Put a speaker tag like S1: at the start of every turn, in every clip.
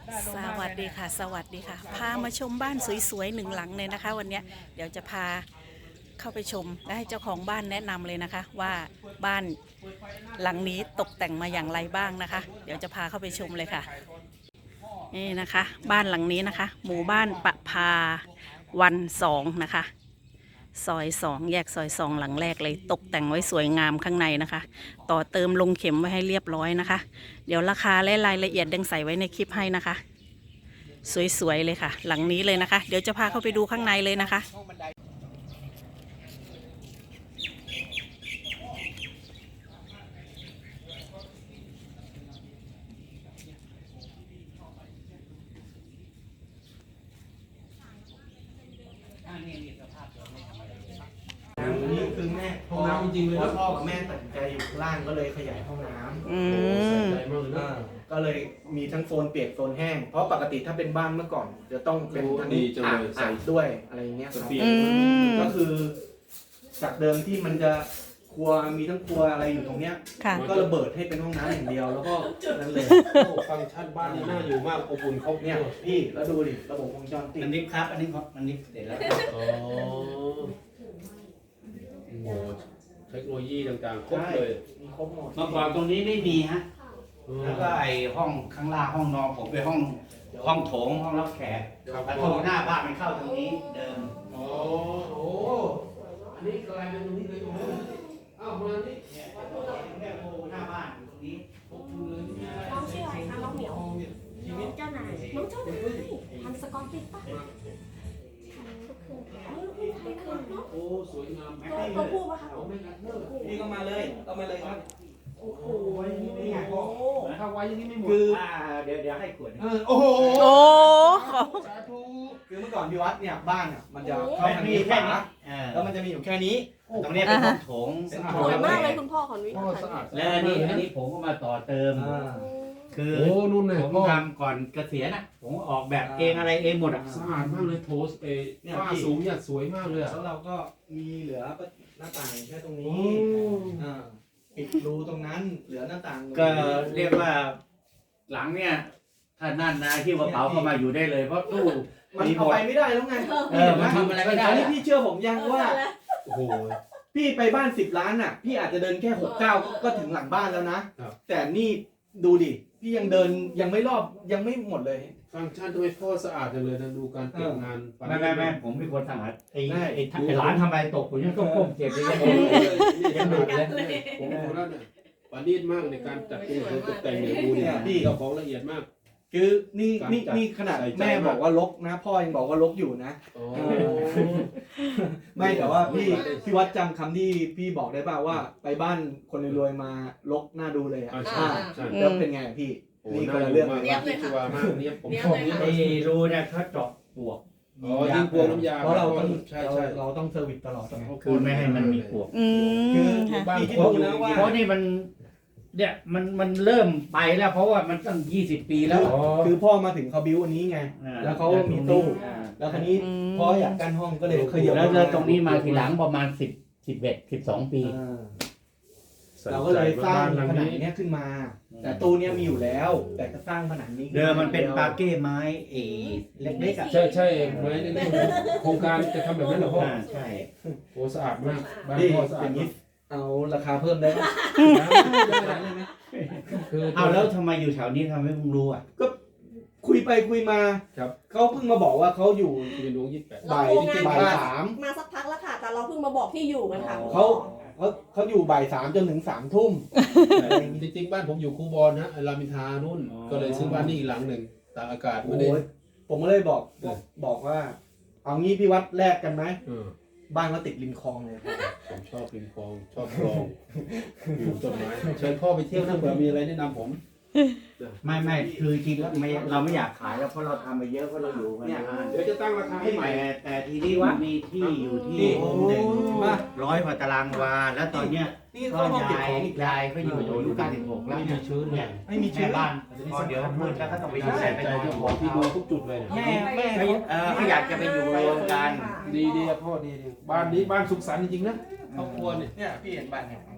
S1: สวัสดีค่ะสวัสดีค่ะพามาชมบ้านสวยๆหนึ่งหลังเลยนะคะวันนี้เดี๋ยวจะพาเข้าไปชมและให้เจ้าของบ้านแนะนำเลยนะคะว่าบ้านหลังนี้ตกแต่งมาอย่างไรบ้างนะคะ เดี๋ยวจะพาเข้าไปชมเลยค่ะนี่นะคะบ้านหลังนี้นะคะหมู่บ้านประภาวัน2นะคะซอย2แยกซอย2หลังแรกเลยตกแต่งไว้สวยงามข้างในนะคะต่อเติมลงเข็มไว้ให้เรียบร้อยนะคะเดี๋ยวราคาและรายละเอียดดังใส่ไว้ในคลิปให้นะคะสวยๆเลยค่ะหลังนี้เลยนะคะเดี๋ยวจะพาเข้าไปดูข้างในเลยนะคะ
S2: นี่คือแม่ห้องน้ำจริงๆเลยพ่อกับแม่ตัดสินใจอยู่ข้างล่างก็เลยขยายห้องน้ำก็เลยมีทั้งโซนเปียกโซนแห้งเพราะปกติถ้าเป็นบ้านเมื่อก่อนจะต้องเป็นทั้งอ่างด้วยอะไรเงี้ยครับก็คือจากเดิมที่มันจะครัวมีทั้งครัวอะไรอยู่ตรงเนี้ยก็ระเบิดให้เป็นห้องน้ำอย่างเดียวแล้วก็นั่นเลย
S3: ฟังก์ชันบ้านนี่น่าอยู่มากอบอุ่นครบ
S2: เนี่ยพี่แล้วดูดิระบบวงจรปิด
S4: อันนี้ครับอันนี้เสร็จแล้ว
S3: อ๋อโอ้เทคโนโลยีต่างๆครบเลย
S2: มีครบหมด
S4: เมื่อก่อนตรงนี้ไม่มีฮะแล้วก็ไอห้องข้างล่างห้องนอนผมไปห้องโถงห้องรับแขกประตูหน้าบ้านมันเข้าตรงนี้เดิม
S3: โอ้โหอันนี้กลายเป็นตรงนี้เลยตรงนี้อ้าวมานี่
S4: เนี่ยประตูแม่โคหน้าบ้านอยู่ตรงนี้
S3: ครบเลย
S5: น้องชื่ออะไรคะน้องเหมียวเจ้านายน้องเจ้านายทำสกอตติชป่ะทำลูกครึ่งเนาะ
S3: โอ้สวยงาม
S5: ตัวผู้ป่ะคะ
S3: โอ้ไม่กัดเนอะ
S2: พี่ก็มาเลยครับ
S5: โอ้โห
S2: นี่ไงพ่อ
S3: ถ้าไว้อย่างนี้ไม่หมด
S2: คือ
S4: เดี๋ยวให้ขวด
S2: โอ้โห
S1: โอ้ขอ
S3: สาธุ
S2: คือเมื่อก่อนพี่วัดเนี่ยบ้านเนี่ยมันจะเข้าทาง
S4: มี
S2: นี้
S4: แค่
S2: ฝา
S4: นี้
S2: แล้วมันจะมีอยู่แค่นี้
S4: ตรงนี้เป็นห้องโถง
S5: สวยมากเลยคุณพ่อขออนุญา
S3: พ่อ
S5: ต
S3: สะอาด
S4: แล้วอันนี้ผมก็มาต่อเติม คือ
S3: โอ้นู่นเลย
S4: ผม
S3: พ่อ
S4: ทำก่อนเกษียณนะผมออกแบบเองอะไรเองหมดอ่ะ
S3: สะอาดมากเลยโทสเอฝ้าสูงเนี่ยสวยมากเลยอ่ะ
S2: แล้วเราก็มีเหลือหน้าต่างแค่ตรง
S3: โอ้
S2: นี้ปิดรูตรงนั้นเหลือหน้าต่าง
S4: ก็เรียกว่าหลังเนี่ยถ้านั่นนะที่กระเป๋าเข้ามาอยู่ได้เลยเพราะตู้
S2: มัน
S4: มีหม
S2: เอา
S4: ด
S2: ไปไม่ได้แล้วไง
S4: มันทำอะไรไม่ได้
S2: อันนี้พี่เชื่อผมยังว่า
S3: โอ้โห
S2: พี่ไปบ้าน10 ล้านอ่ะพี่อาจจะเดินแค่6-9ก็ถึงหลังบ้านแล้วนะ แต่นี่ดูดิพี่ยังเดินยังไม่รอบยังไม่หมดเลย
S3: ฟังก์ชันทำไมพ่อสะอาดจังเลยนะดูการเก็บงาน
S4: ไม่ผมเป็นคนสะอาดไอ้หลานทำอะไรตกผมยังต้องก้มเก็บเลย
S3: ยังดูเลยผมดูแล้วเนี่ยประณีตมากในการจัดตู้ตกแต่งเนี่ยดูเนี่ยพี่เจ้าของละเอียดมาก
S2: คือนี่ขนาดแม่บอกว่ารกนะพ่อยังบอกว่ารกอยู่นะ ไม่แต่ว่าพี่วัดจำคำที่พี่บอกได้ป่าวว่าไปบ้านคนรวยๆมารกน่าดูเลยอ่ะ
S3: ใช่ใช่
S2: แล้วเป็นไงพี่นี่คนละเรื่อง
S3: มากที่ชัวร์มากเนี่ยผมชอบนี่
S4: ไอ้รูเนี่ยเขาเจาะปวก
S3: อ๋อยิงพวงน้ำยา
S2: เพราะเราต้อง
S3: ใช่
S2: เราต้องเซอร์วิสตลอด
S4: คือไม่ให้มันมีปวก
S2: คือ
S3: บ้าน
S2: พี่คิด
S3: พ่อ
S2: ดูนะว่า
S4: เพราะนี่มันเนี่ยมันเริ่มไปแล้วเพราะว่ามันตั้ง20 ปีแล้ว
S2: คือพ่อมาถึงเขาบิ้วอันนี้ไงแล้วเขามีตู้แล้วคันนี้พ่ออยากกั้นห้องก็เลยขยับ
S4: แล้วตรงนี้มาทีหลังประมาณ11-12 ปี
S2: เราก็เลยสร้างผนังเนี้ยขึ้นมา แต่ตู้เนี้ยมีอยู่แล้ว แต่ก็สร้างผนังนี้
S4: เดิมมันเป็นปาเก้ไม้เล็กๆอ่ะ
S3: ใช่ไหมนี่โครงการจะทำแบบนั้นเหรอพ่อ
S4: ใช่
S3: โอ้สะอาดมากบ้าน
S2: นี่
S3: พ่อสะ
S2: อ
S3: อาด
S2: ย่าง
S3: มา
S2: นี้
S3: ก
S2: เอาราคาเพิ่มได้ไหม
S3: คือ
S4: เอาแล้วทำไมอยู่แถวนี้ทำให้มึงรู้อ่ะ
S2: ก็คุยไปคุยมาเขาเพิ่งมาบอกว่าเขาอยู่
S3: เป็นดวง28
S2: บ่าย3
S5: มาสักพักแล้วค่ะ แต่เราเพิ่งมาบอกที่อยู่กันค่ะ
S2: เขาอยู่บ่าย 3จนถึง3 ทุ่ม
S3: จริงๆบ้านผมอยู่คูบอลนะรามอินทรานู่นก็เลยซื้อบ้านนี่อีกหลังหนึ่งตากอากาศไม่ได้
S2: โอ้ยผมก็เลยบอกว่า เอางี้พี่วัดแลกกันไหมบ้านเขาติดริมคลองเลย
S3: ผมชอบริมคลองชอบคลองอยู่ต้นไม้เชิญพ่อไปเที่ยวนะเผื่อมีอะไรแนะนำผม
S4: ไม่คือจริงแล้วเราไม่อยากขายแล้วเพราะเราทำไปเยอะเพราะเราอยู่กันนาน
S3: เดี๋ยวจะตั้งราคาให้ใหม่
S4: แต่ทีนี้ว่ามีที่อยู่ที่100 กว่าตารางวาแล้วตอนเนี้ย
S2: นี่
S4: ก็
S2: เขาห้องเก็บของอีก
S4: ยายเขาอยู่อายุ96แล้ว
S3: ไม่มีชื้นเนี่ย
S2: ไม่มีชื้น
S4: บ้านพอเดี๋ยวมืดแล้วก็ต้องไปอยู่
S3: ใส่
S4: ไป
S3: ใจ
S4: นอน
S3: เจ้าของที่ดูทุกจุดเลยเนี่ย
S2: แม่
S4: เขาอยากจะไปอยู่รวมกัน
S3: ดีพ่อดีบ้านนี้บ้านสุขสันต์จริงๆนะครอบครัวเนี่ย
S2: เนี่ยพี่เห็นบ้านเนี่ยเห็นป่ะโอ้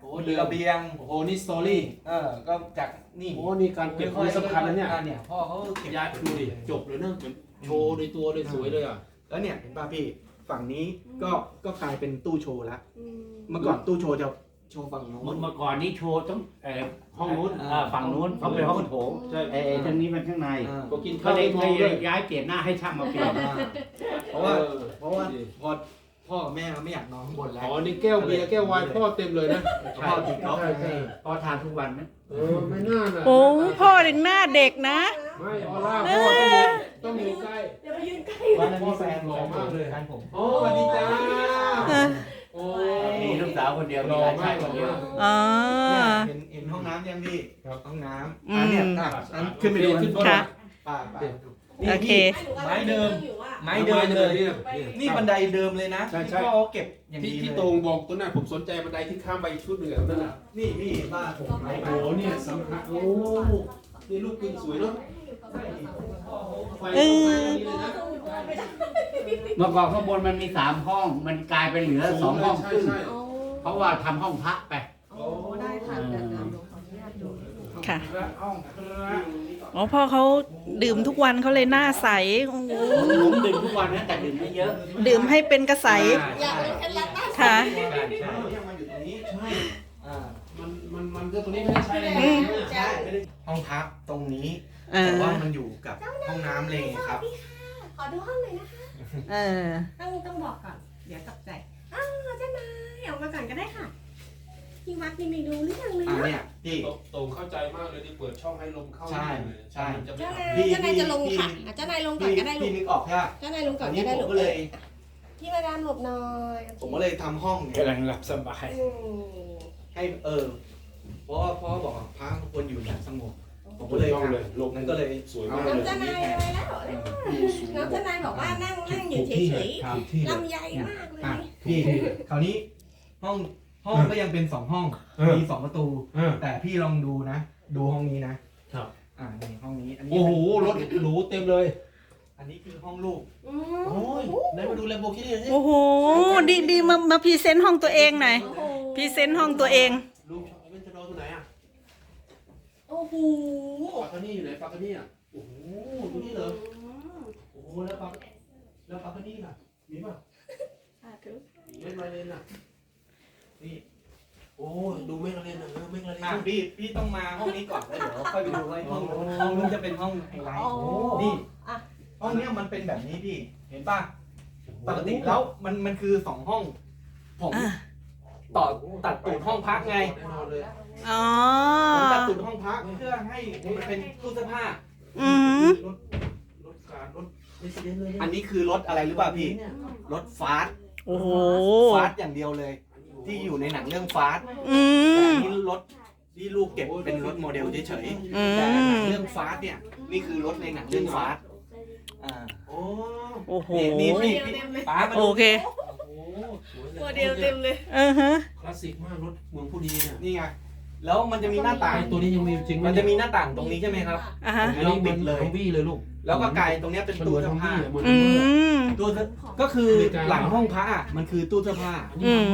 S2: มีระเบียง
S3: โอ้โหนี่สตอรี่
S2: ก็จากนี่
S3: โอ้นี่การเก็บของสำคัญนะเนี่ย
S2: เนี่ยพ่อเขาเก็บ
S3: ยายดูดิจบเลยนะเหมือนโชว์ในตัวเลยสวยเลยอ่ะ
S2: แล้วเนี่ยเห็นป่ะพี่ฝั่งนี้ก็กลายเป็นตู้โชว์ละ
S5: อืม
S2: เมื่อก่อนตู้โชว์จะโชว์ฝั่งโน้น
S4: เมื่อก่อนนี่โชว์ต้อง
S3: ห้องนู้น
S4: ฝั่งนู้นเขาเป็นห้องโถง
S3: ใช่
S4: ทางนี้มันข้างใน
S3: ก็กิน
S4: ก็
S3: ข้าว
S4: เลย
S3: มองด้วย
S4: ย้ายเปลี่ยนหน้าให้ช่างมาเปลี่ยน
S2: เพราะว่าพอพ่อกับแม่เขาไม่อยากนอนข้างบนแล้ว
S3: อ๋อนี่แก้วเบียร์แก้วไวน์พ่อเต็มเลยนะ
S2: พ่อติดเขา
S3: ใช่ใช่
S4: พอทานทุกวันนะ
S3: ไม่น่าน่ะ
S1: โอ้พ่อเด็กหน้าเด็กนะ
S3: ไม่ออร่าพ่อต้องอยู่ใกล้
S5: เดี๋ยวไปยืนใกล้
S2: วันนั้นมีแฟนหล่อมากเลยแฟนผม
S3: โอ้สวัสดีจ้าโอ้
S4: มีลูกสาวคนเดียว
S3: ห
S4: มี
S3: ล่อ
S4: หลาน
S3: มา
S4: ชาก ย
S3: ห
S4: ค
S3: ล่อน
S4: เดียว
S3: มาก
S1: อ๋อ
S2: เห็นห้องน้ำยังพี่
S3: ครับ
S2: ห้องน้ำ
S1: อืม
S2: เนี่ยขึ้นไปดู
S3: ขึ้น
S1: ค่ะ
S2: ป่า
S1: โอเค
S2: ไม้เดิม ไม้
S3: ไม่
S2: เดิ
S3: เดิ
S2: ม
S3: น
S2: เล
S3: เลย ย
S2: นี่บันไดเดิมเลยนะ
S3: ใช่
S2: ที่
S3: ใช่
S2: พ่อเขาเก็บอย่าง
S3: ที่
S2: ดี
S3: ที่
S2: เลย
S3: ตรงบอกตัวนั้นผมสนใจบันไดที่ข้ามไปชุดเหนือนั่นแหละ
S2: นี่พี่บ้านผมไม้
S3: โอ้โหเนี่ยสำคัญโอ้นี่ลูกปืนสวยเนาะไฟ
S1: เออ
S3: นี่เลยนะ
S4: เมื่อก่อนข้างบนมันมี3 ห้อง มันกลายเป็นเหลือ2 ห้อง
S3: ใช่
S4: ครึ่ง
S3: ใช่
S4: เพราะว่าทำห้องพระไป
S5: โอ้ได้ค่ะเดี๋ยวหนูขออนุญาตดู
S1: ค่ะ
S3: ห้องพระ
S1: อ๋อพ่อเขาดื่มทุกวันเขาเลยหน้าใสโอ้โห
S4: ผมดื่มทุกวันนะแต่ดื่มไม่เยอะ
S1: ดื่มให้เป็นกระใส
S5: อยากรู้เคล็ดลับบ้าง
S1: ค่ะ
S2: ใช่เนี่ยมันอยู่ตรงนี้
S3: ใช่
S2: อ่า
S3: มันก็ตรงนี้ไม่ได้ใช้เลย
S1: อืม
S2: ใช่ไม่ได้ห้องพักตรงนี้
S1: เออ
S2: แต่ว่ามันอยู่กับห้องน้ำเลยครับ
S5: ขอดูห้องหน่อยนะคะ
S1: เออ
S5: ต้องบอกก่อน เดี๋ยวตกใจอ้าวเจ้านายออกมาก่อนก็ได้ค่ะ ที่วัดนี่ไม่ดูหรือยังเลย
S2: เนี่ยพี่
S3: โต่งเข้าใจมากเลยที่เปิดช่องให้ลมเข้า
S2: ใช่ใช่
S3: มันจะไม่
S5: เจ้า
S3: อับ
S5: นายเจ้านายจะลงค่ะอ่ะเจ้านายลงก่อนก็ได้ลู
S2: พี่
S5: ก
S2: นึกออกใช่ไหม
S5: เจ้านายลงก่
S2: อั
S5: อน
S2: น
S5: ก็
S2: นี้
S5: ได้
S2: ผม
S5: ลูก
S2: ก็เลย
S5: พี่มาดามหลบหน่อย
S2: ผมก็เลยทำห้องเนี่ย
S3: กำลังหลับสบาย
S5: อืม
S2: ให้เพราะว่าพ่อบอกว่าพระควรอยู่แบบสงบผมก็เลย
S3: ต้องเลยลม
S2: นั้นก็เลย
S3: สวยมาก
S5: น้อง
S3: เลย
S5: เจ้านายอะไรแล้วน้องเจ้านายบอกว่านั่งอยู่เฉย
S2: ครับที่
S5: ๆลำใหญ่มากเลย
S2: พี่คราวนี้ห้องก็ยังเป็น2 ห้องมี2 ประตู แต่พี่ลองดูนะ ดูห้องนี้นะครับ นี่ห้องนี้อันนี้
S3: โอ้โหรถหรูเต็มเลย
S2: อันนี้คือห้องลูก
S5: อื
S3: โอ้ย
S5: ม
S3: ไหนมาดูแลโบกี้ดิ
S1: โอ้โห ดีมาพรีเซนต์ห้องตัวเองหน่อย
S5: โอ้โห
S1: พรีเซนต์ห้องตัวเอง
S3: ลูกเวนจะนอนตัวไหนอ่ะ
S5: โอ้โห
S3: ปากกานี่อยู่ไหนปากกานี่อ่ะโอ้โหตัวนี้เหรอโอ้โหแล้วปากกานี่ล่ะมีป่ะ
S5: สาธุ
S3: เล่นมาเล่นอ่ะนี่โอ้ดูไม่ละเล่นอ่ะไม่ละเล่น
S2: พี่ต้องมาห้องนี้ก่อนแล้วเดี๋ยวค่อยไปดูว่าห้องนู้นจะเป็นห้องไฮไลท์นี่
S5: อ่ะ
S2: ห้องเนี้ยมันเป็นแบบนี้พี่เห็นป่ะปกติแล้วมันคือ2 ห้อง ผม
S1: อ่ะ
S2: ตัดตูดห้องพักไง
S3: แน่นอนเลย
S1: อ๋อ
S2: ผมตัดตูดห้องพักเพื่อให้มันเป็นตู้เสื้อผ้า
S1: อืม
S3: รถการรถเรสเดนเลย
S2: อันนี้คือรถอะไรหรือเปล่าพี่รถฟาสต์
S1: โอ้โห
S2: ฟาสต์อย่างเดียวเลย ที่อยู่ในหนังเรื่องฟาสต์
S1: อื
S2: แต่
S1: ม
S2: อันนี้รถที่ลูกเก็บเป็นรถโมเดลเฉย
S1: อื
S2: ๆแต่หนั
S1: ม
S2: งเรื่องฟาสต์เนี่ยนี่คือรถในหนังเรื่องฟาสต์อ่า
S3: โอ้
S1: โอ้โห
S2: นี่พี่ป้ามา
S1: โอ
S2: ดู
S1: เค
S3: โหสวย
S5: ตัวเดียวเต็มเลย
S1: ฮะ
S3: คลาสสิกมากรถเมืองผู้ดีเนี่ย
S2: นี่ไงแล้วมันจะมีหน้าต่าง
S3: ไอ้ตัวนี้ยังมีจริงไห
S2: มันจะมีหน้าต่างตรงนี้ใช่ไหมครับ
S1: อ่ะฮะ
S3: อันนี้เหมือนฮัมวี่เลยลูก
S2: แล้วก็กลายตรงเนี้ยเป็น
S3: มันเห
S2: ตู้
S3: มือน
S2: เสื้
S3: ฮั
S2: อ
S3: ม
S2: ผ้า
S3: วี่เหมือน
S1: อืม
S2: ตู้เสื้อก็คือหลังห้องพระอะมันคือตู้เสื้อผ้า
S1: อืม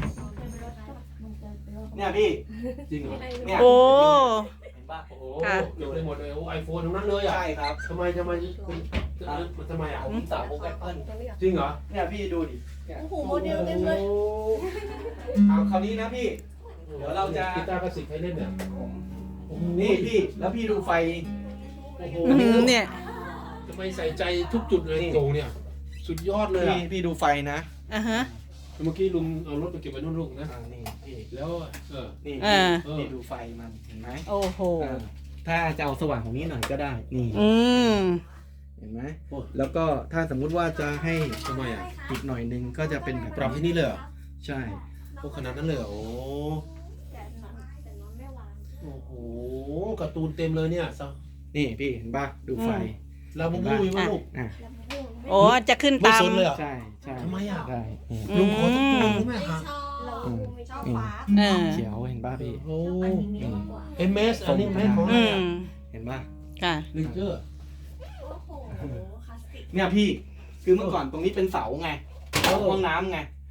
S2: เนี่ยพี่
S3: จริงเหรอ
S2: เนี่ย
S1: โอ้
S2: เห็นปะ
S3: โอ้โห
S1: ค่ะ
S3: เดี๋ยวไปหมดเลยโอ้ไอโฟนทั้งนั้นเลยอ่ะ
S2: ใช่ครับ
S3: ทำไมมันทำไมอ่ะ
S2: ผมสาวโอแอปเปิล
S3: จริงเหรอ
S2: เนี่ยพี่ดูดิ
S5: โอ้โหโมเดลเต็มเลย
S2: เอาคราวนี้นะพี่ เดี๋ยวเราจะ
S3: กีตาร์คลาสสิกให้เล่นเนี่ย
S2: นี่พี่แล้วพี่ดูไฟ
S3: โอ้โห
S1: อืมเนี่ย
S3: ทำไมใส่ใจทุกจุดเลยโตเนี่ย สุดยอดเลยอ่ะ
S2: พี่ดูไฟนะ
S1: อ่ะฮะ
S3: เมื่อกี้ลุงเอารถไปเก็บไว้นู่นลูกนะ
S2: นี่พี่
S3: แล้ว
S2: นี่
S1: อ่า
S2: พี่ดูไฟมันเห็นไหม
S1: โอ้โห
S2: ถ้าจะเอาสว่างของนี้หน่อยก็ได้นี่
S1: อืม
S2: เห็นไหมแล้วก็ถ้าสมมุติว่าจะให้
S3: ทำไมอ่ะ
S2: อีกหน่อยนึงก็จะเป็นแบบ
S3: ปรับที่นี่เลยเหรอ
S2: ใช่
S3: โอ้ขนาดนั้นเลยเหรอโอ้
S5: แต่นอนไม่วาง
S3: โหการ์ตูนเต็มเลยเนี่ย
S2: นี่พี่เห็นป่ะดูไฟ
S3: ลาบูบูอยู่ป่ะลูก
S2: อ่ะ
S1: โอ้จะขึ้น
S3: ไม่
S1: ตาม
S3: สนเลยเหรอ
S2: ใช่ใช่
S3: ทำไมอ่ะ
S2: ใช่นี่
S3: ลุงขอสักตัวรู้ไหม
S5: ไม่
S3: ครับ
S5: ชอบไม่ชอบฟ้า
S1: เออ
S2: เขียวเห็นป่ะพี่
S3: โอ้
S5: อันนี้มากกว่า
S3: เอ็มเอสอันนี้แม่ของ
S1: อืม
S2: เห็นป่ะ
S1: ค่ะ
S3: ลิงเกอร์
S5: โอ้โหคลาสสิก
S2: เนี่ยพี่คือเมื่อก่อนตรงนี้เป็นเสาไงเสาห้องน้ำไง
S3: โอ้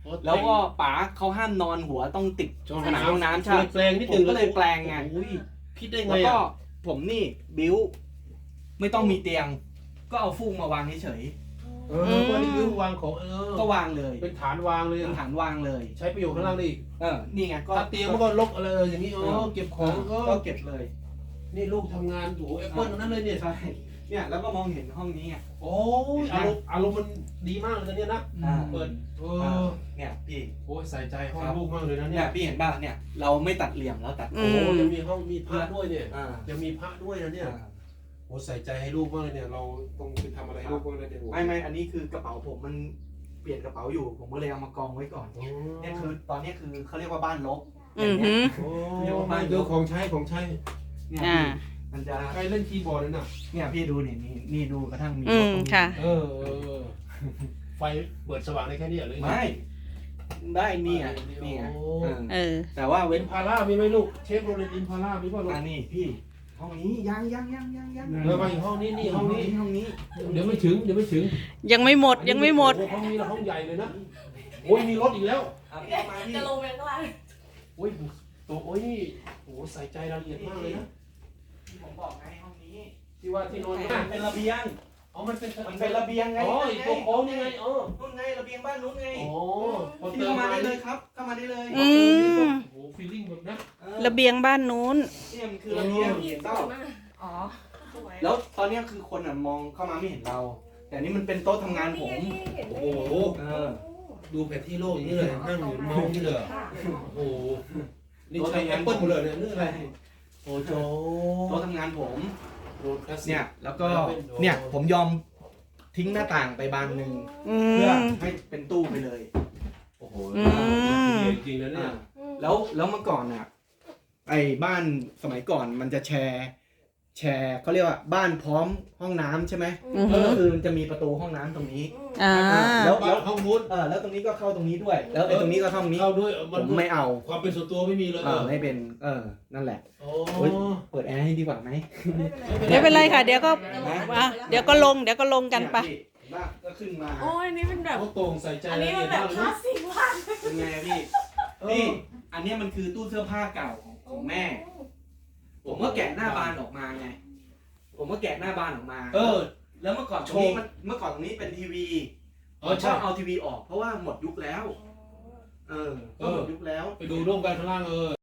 S2: แล้วก็ป๋าเขาห้ามนอนหัวต้องติดผนังห้องน้ำใช่
S3: แปลงนิด
S2: ผ
S3: นึ
S2: ม
S3: ง
S2: ก็เลยแปลงไง
S3: โอ้ยคิดได้ไง
S2: แล้วก็
S3: อ่ะ
S2: ผมนี่บิ้วไม่ต้องมีเตียง ก็เอาฟูกมาวางเฉย
S3: วันนี้คือวางของ
S2: ๆก็วางเลย
S3: เป็นฐานวางเลย
S2: เป็นฐานวางเลย
S3: ใช้ประโยชน์ข้างล่างได้อีก
S2: นี่ไงก็
S3: ถ้าเตียงมันก็ลกอะไรอย่างนี้เก็บของ
S2: ก็เก็บเลย
S3: นี่ลูกทำงานอยู่แอปเปิ้ลตรงนั้นเลยเนี่ย
S2: ใช่เนี่ยแล้วก็มองเห็นห้องนี้ไง
S3: โอ้ยอารมณ์มันดีมากเลยนะเนี่ยนะเปิด
S2: เนี่ยพี่
S3: โอ้ยใส่ใจห้องลูกมากเลยนะ
S2: เนี่
S3: เนี่ย ย
S2: พี่เห็นป่ะเนี่ยเราไม่ตัดเหลี่ยมแล้วตัด
S3: โอ้ยังมีห้องมีพระด้วยเนี่ย
S2: อ่า
S3: ยังมีพระด้วยนะเนี่ยโอ้ใส่ใจให้ลูกมากเลยเนี่ยเราต้องไปทำอะไรให้ลูกบ้างเลยเนี่ย
S2: ไม่อันนี้คือกระเป๋าผมมันเปลี่ยนกระเป๋าอยู่ผมก็เลยเอามากองไว้ก่อนเนี่ยคือตอนนี้คือเขาเรียกว่าบ้านลบ
S1: อือหือ
S3: โอ้เดี๋ยวของใช้ของใช้
S2: เนี่ย
S1: อ่า
S2: มันจะ
S3: ใครเล่นคีย์บอร์ดเลยน่ะ
S2: เนี่ยพี่ดูนี่ดูกระทั่งมี
S1: อืมค่ะ
S3: ไฟเปิดสว่างได้แค่นี้เลย
S2: ไม่ได้นี่อ่ะนี่ไงแต่ว่า
S3: เว้
S2: เว้
S3: น
S2: น
S3: พาร่ามีไหมลูกเชฟโรเลนอินพาร่ามีป่ะลูก
S2: นี่พี่ห้องนี้ยัง
S3: แล้วมาอีกห้องนี้นี่ห้องนี้
S2: ห้องนี้
S3: เดี๋ยวไม่ถึง
S1: ยังไม่หมดยังไม่หมด
S3: ห้องนี้ละห้องใหญ่เลยนะโอ้ยมีรถอีกแล้ว
S2: พี่มาพี่
S5: จะลงไปข้างล่าง
S3: โอ้ยตัวโอ้ยโอ้ใส่ใจรายละเอียดมากเลยนะ
S2: ผมบอกไงห้องนี้
S3: ที่ว่าที่นอน
S2: เป็นระเบียง
S3: อ๋อมันเป็น
S2: ระเบียงไง
S3: อ๋ออีกตัวโค้งนี่ไงอ๋อ
S2: นู่นไงระเบียงบ้านนู้นไง
S3: อ๋อพอ
S2: พี่
S3: เติม
S2: เข้ามา
S3: มา
S2: ได้
S3: เล
S2: เลย ยครับเข้ามาได้เลย
S1: อืม
S3: โอ้ฟีลลิ่งแบบนะ
S1: ระเบียงบ้านนู้น
S2: เนี่ยมันคือระเบียงเห็นเปล่า
S5: อ๋อ
S2: แล้วตอนเนี้ยคือคนอ่ะมองเข้ามาไม่เห็นเรา แต่นี่มันเป็นโต๊ะทำงานผม
S3: โอ้โหดูแผนที่โลกอย่างนี้เลยนั่งอยู่เมาส์นี่เลยโอ้โหนี่ใช้แอปเปิลหมดเลยเนี่ยนี่อะไรโอ้โห
S2: โต๊ะทำงานผม
S3: โรดคลาสสิก
S2: เนี่ยแล้วก็เนี่ยผมยอมทิ้งหน้าต่างไปบานหนึ่ง
S1: อื
S2: เพื่อ
S1: ม
S2: ให้เป็นตู้ไปเลย
S3: โอ้โห
S1: อืม
S3: จริงๆนะเนี่ย
S2: แล้วเมื่อก่อนอ่ะไอ้บ้านสมัยก่อนมันจะแชร์เขาเรียกว่าบ้านพร้อมห้องน้ำใช่ไหม
S1: อือหือ
S2: ก็คือมันจะมีประตูห้องน้ำตรงนี้
S1: อ่า
S2: แล้ว
S3: บ้านห้องนู้น
S2: แล้วตรงนี้ก็เข้าตรงนี้ด้วย แล้วไอ้ตรงนี้ก็เข้าตรงนี้
S3: เข้าด้วย
S2: ผมไม่เอา
S3: ความเป็นส่วนตัวไม่มีเลย
S2: ไม่เป็นนั่นแหละ
S3: โอ้
S2: โอ๊ย เปิดแอร์ให้ดีกว่าไหม
S1: ไม่เป็นไรค่ะ เดี๋ยวก็เดี๋ยวก็ลงกันไป
S2: เนี่ยพี่บ้านก็ขึ้นมา
S5: โอ้ยนี่เป็นแบบ
S3: เขาตรงใส่ใจ
S5: อัน
S3: ราย
S5: นี้
S3: ละ
S5: มั
S3: เอี
S5: น
S3: ยด
S5: แบบ
S3: มาก
S5: ค
S3: เล
S5: ลาย สสิกมาก
S2: เป็นไงพี่ พี่ อันเนี้ยมันคือตู้เสื้อผ้าเก่าของแม่ ผมก็แกะหน้าบานออกมาไง ผมก็แกะหน้าบานออกมา แล้วเมื่อก่อนตรงนี้เมื่อก่อนตรงนี้เป็นทีวีผมชอบเอาทีวีออกเพราะว่าหมดยุคแล้ว ก็หมดยุคแล้ว
S3: ไปดูร่วมกันข้างล่าง